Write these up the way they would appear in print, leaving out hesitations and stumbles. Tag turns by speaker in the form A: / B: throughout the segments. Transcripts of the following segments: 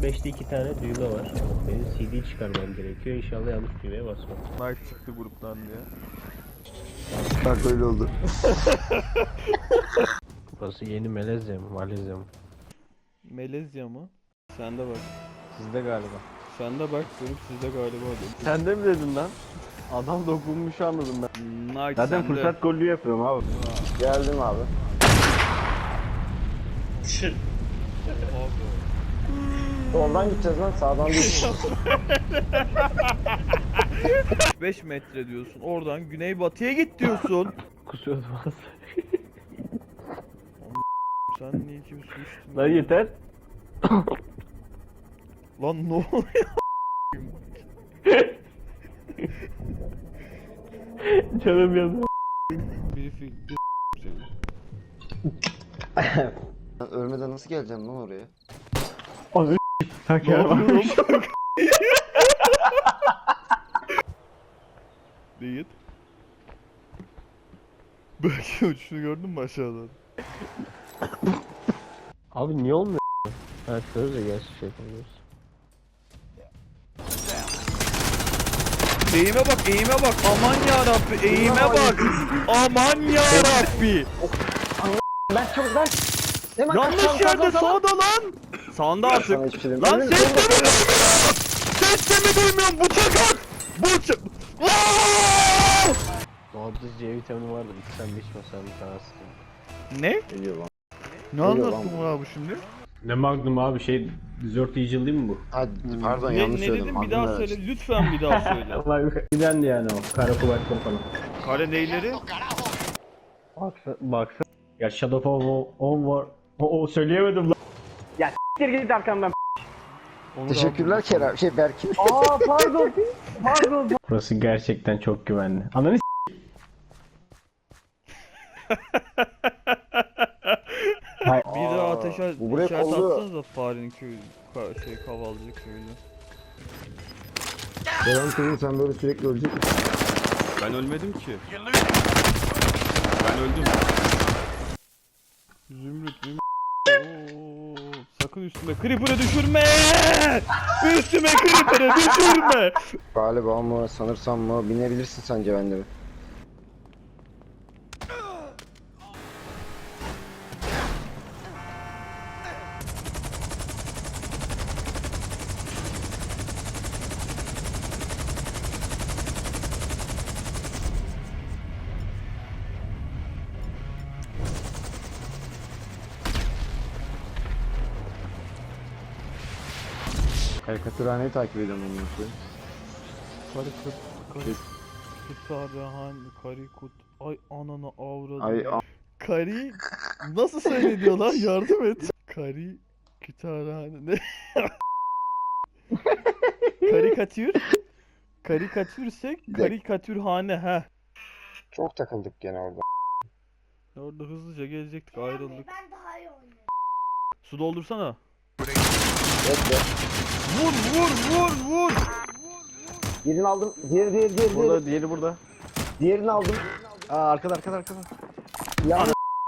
A: M5'te 2 tane düğme var. Benim CD çıkarmam gerekiyor. İnşallah yanlış düğmeye basmam.
B: Knight çıktı gruptan diye.
C: Bak öyle oldu.
A: Burası yeni Malezya mı? Malezya mı?
B: Melezya mı? Sende bak.
D: Sizde galiba.
B: Sende bak. Benim sizde galiba dedim.
D: Sen de mi dedin lan? Adam dokunmuş anladım ben.
B: Knight
D: Zaten
B: sende.
D: fırsat gollü yapıyorum abi.
C: Geldim abi. Soldan gideceğiz lan, sağdan değil.
B: 5 metre diyorsun. Oradan güneybatıya git diyorsun.
A: Kusuyordum az.
B: Sen niye kim su içtin?
D: Lan yeter.
B: Lan ne oluyor?
A: Canım yanıyor.
B: Biri fikri
C: Ben ölmeden nasıl geleceğim lan oraya?
A: Tak
B: Ne
A: ya.
B: yapıyorum? Değil. Belki uçuşunu gördün mü aşağıdan?
A: Abi niye olmuyor? Ha şöyle gerçi şey yapıyoruz.
B: Eğime bak, eğime bak. Aman ya Rabbi, eğime bak. Aman ya Rabbi.
C: Ben çok ben... Hemen
B: Yanlış yerde sağda lan. Sağında artık.
C: Sana hiçbir şey
B: Lan
C: demiyorum.
B: ses de mi duymuyorum? Ses de mi duymuyorum? Bıçak at. Bıçak.
A: Orada C vitamini vardı. İçsem mi içmesem mi sana sıkıntı.
B: Ne?
C: Geliyor lan.
B: Ne
C: Geliyor
B: anlattın
C: lan.
B: abi şimdi?
A: Ne Magnum abi şey Dessert Eagle değil mi bu?
C: Hadi pardon
B: Ne,
C: yanlış
B: ne
C: söyledim.
B: dedim bir daha
C: Aklımda
B: söyle. Lütfen bir daha söyle.
A: Allah gidendi yani o. Kara kuvvetli falan.
B: Kare neyleri?
A: Baksa. Ya Shadow of On var. O söyleyemedim lan.
D: Siktir git arkamdan.
B: Onu
C: Teşekkürler Kerem. Berkin.
D: Aa pardon. Pardon.
A: Burası gerçekten çok güvenli. Ananı
B: Bir daha ateşe
C: bu buraya
B: işaret
C: kolluyor.
B: atsanıza farenin köyü, kavalcı köyüne.
C: Kerem kızım sen böyle sürekli ölecek misin?
B: Ben ölmedim ki. Ben öldüm. Zümrüt. Oo, sakın üstüme creeper'ı düşürme! Üstüme creeper'ı düşürme!
C: Galiba mı sanırsam mı binebilirsin sence bende mi? Karikatürhaneyi takip ediyorum onu nasıl?
B: Karikut. Ay ananı avradım.
C: Ay
B: Kari nasıl söyleniyor lan, yardım et. Kari kütüphane ne? Karikatür. Karikatürsek karikatürhane ha.
C: çok takıldık gene orada.
B: Orada hızlıca gelecektik, ayrıldık.
E: Ben daha iyi oynuyorum.
B: Su doldursana.
C: Bekle.
B: Vur.
C: Birini aldım. Diğeri.
D: Burada diğeri burada.
C: Diğerini aldım.
D: Aa arkada.
C: Ya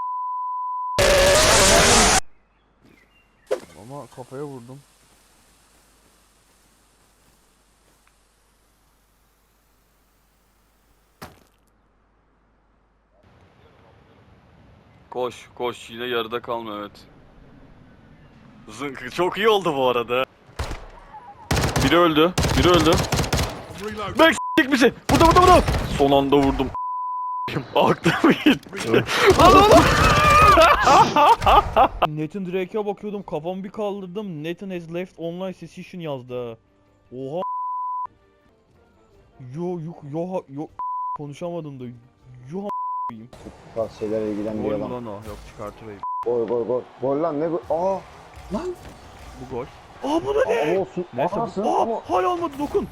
B: Ama kafaya vurdum.
F: Koş yine yarıda kalma, evet. Zınk çok iyi oldu bu arada. Biri öldü. Bek s**tik bizi. Burada. Son anda vurdum. Aklım gitti. Lan.
B: Nathan Drake'e bakıyordum, kafamı bir kaldırdım. Nathan has left online session yazdı ha. Oha. Yo konuşamadım da. Yo
C: bu tarz şeylerle
B: Gol
C: ilgilendiriyor
B: mü
C: lan.
B: lan o? Yok, çıkartırayım.
C: Gol. Gol lan ne gol? Aa.
B: Bu gol. Aa bu da ne?
C: Ama olsun.
B: Neyse
C: Anasın
B: bu.
C: ama.
B: Aa hala olmadı, dokun.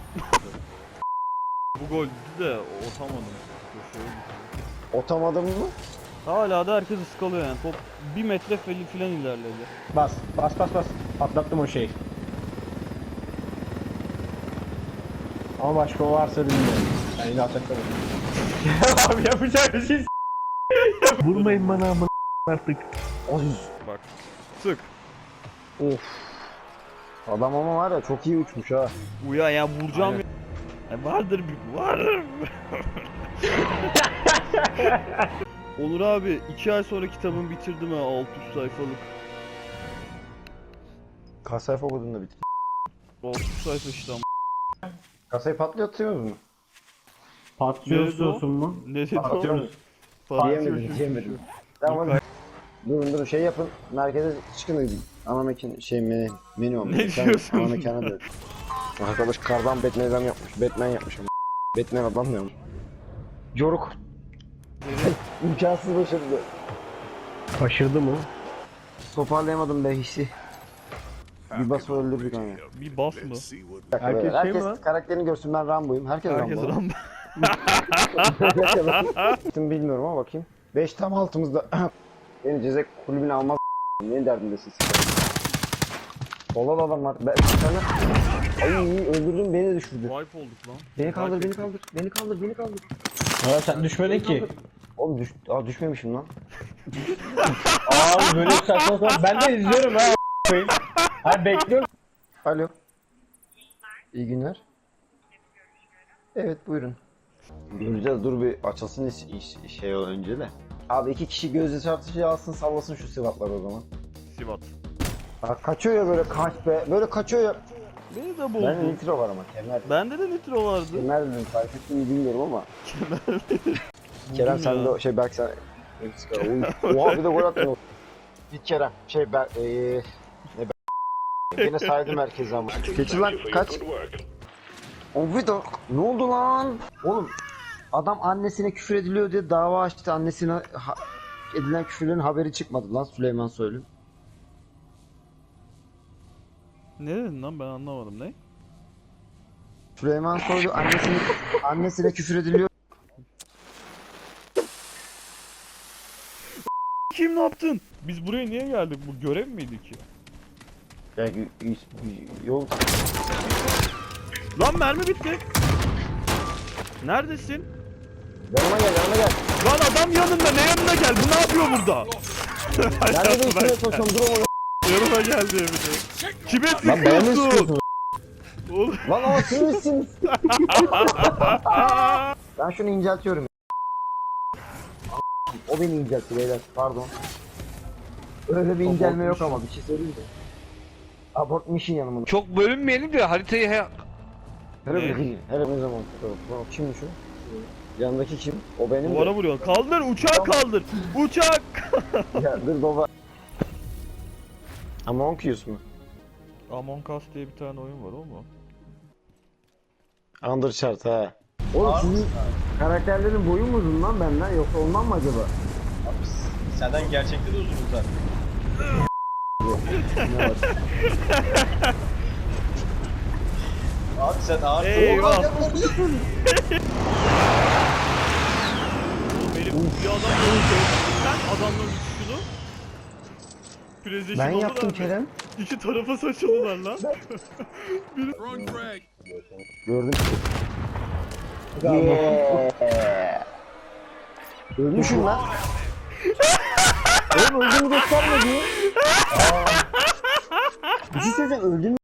B: Bu goldü de atamadım. Köşeye gitti.
C: Otamadım mı?
B: Hala da herkes ıskalıyor yani. Top 1 metre filan ilerledi.
A: Bas. Patlattım o şeyi. Ama başka o varsa bilmiyorum. Ben yine ataklarım. Abi yapacak bir şey vurmayın bana amına. artık.
C: Ay.
B: Bak. Sık.
A: Of.
C: Adam ama var ya çok iyi uçmuş ha.
B: Uya ya vuracağım ya. Vardır bir var. Onur abi 2 ay sonra kitabımı bitirdim ha 600 sayfalık.
C: Kaç sayfa okudun da bitti.
B: 600 sayfa işte ama.
C: Kasayı patlatıyor mu?
A: Patlıyor
B: Nerede o?
A: istiyorsun mu?
B: Ne dedi
C: Patlatıyor
B: o?
C: musun?
B: Patlıyor
C: Diyemedim,
B: şu-
C: diyemedim. Tamam. Durun şey yapın. Merkeze çıkın. Ana mekan menü olmuş.
B: Ne
C: Sen
B: diyorsun?
C: Ana mekana dön. Arkadaş kardan Batman adam yapmış. Batman yapmış ama. Batman adam mı yapmış? Coruk. İmkansız başarılı.
A: Başardı mı?
C: Toparlayamadım be hissi. Bir bas öldürdük hani.
B: Bir bas mı?
A: Herkes şey mi lan?
C: karakterini görsün, ben Rambo'yum. Herkes
B: Herkes
C: Rambo.
B: Rambo.
C: Şimdi bilmiyorum ama bakayım. 5 tam altımızda. Beni cezek kulübüne almaz. Ne derdindesin sen? Solda da adam var. Sana... Ay öldürdün, beni düşürdü.
B: Wipe olduk lan.
C: Beni kaldır,
B: Wipe
C: beni kaldır. Beni kaldır, beni kaldır.
A: Ya sen düşmedin ki.
C: Oğlum düşmemişim lan.
A: Abi böyle bir saçma sapan. Ben de izliyorum ha. Ha bekliyorum.
C: Alo. İyi günler. Evet buyurun. Göreceğiz, dur bir açılsın şey önce de. Abi 2 kişi gözü çarpışı alsın, sallasın şu sıvatlar o zaman.
B: Sivat.
C: Bak kaçıyor ya böyle, kaç be. Böyle kaçıyor ya.
B: Beni de
C: Ben
B: boğdu.
C: nitro var ama kemer.
B: Bende de nitro vardı.
C: Kemer dedim, fark ettim mi bilmiyorum ama. Kerem
B: Buldum
C: sen
B: ya.
C: de şey belki sen... Oha bir de gol attın. Git Kerem. Şey ben... ne ben... Yine saydım herkese ama. Geçir lan kaç. Ovido. Ne oldu lan? Oğlum adam annesine küfür ediliyor diye dava açtı. Annesine edilen küfürlerin haberi çıkmadı lan Süleyman Soylu.
B: Ne dedin lan ben anlamadım ne?
C: Süleyman Soylu annesine küfür ediliyor.
B: Kim ne yaptın? Biz buraya niye geldik? Bu görev miydi ki?
C: Ya yol
B: Lan mermi bitti. Neredesin?
C: yanıma gel.
B: Lan adam yanında ne yanına geldi? Bu ne yapıyor burada?
C: Nerede de üstüne koşuyorum, dur oğlum.
B: Yanıma geldi evine. Kime
C: Lan bana ne
B: sıkıyorsun?
C: sıkıyorsun?
B: Oğlum.
C: Lan ama siz misiniz? Ben şunu inceltiyorum. O beni inceltti beyler, pardon. Öyle bir incelme yok ama bir şey söyleyeyim de. Abort mission yanımın.
F: Çok bölünmeyelim de haritayı
C: Hele ne zaman? Kimmiş o? Yanındaki kim? O benim
B: Duvara
C: de.
B: vuruyor. Kaldır uçağı kaldır. Uçak.
C: Ya dur baba. Among Us mu?
B: Among Us diye bir tane oyun var o mu?
C: Underchart ha. Oğlum sizin karakterlerin boyu mu uzun lan benden, yoksa ondan mı acaba?
A: Senden gerçekte de uzun zaten.
C: Ne var?
A: Abi sen ağır.
B: Eyvah. Benim bir adam öldü. Sen adamların üstünü. Precision
C: Ben
B: oldular
C: yaptım
B: mı?
C: Kerem.
B: İki tarafa saçıldılar lan.
C: Gördüm ki. Yeah. Ölmüşüm lan. Oğlum öldüğümü göstermedi. Bir şey söyleyeceğim, öldüğümü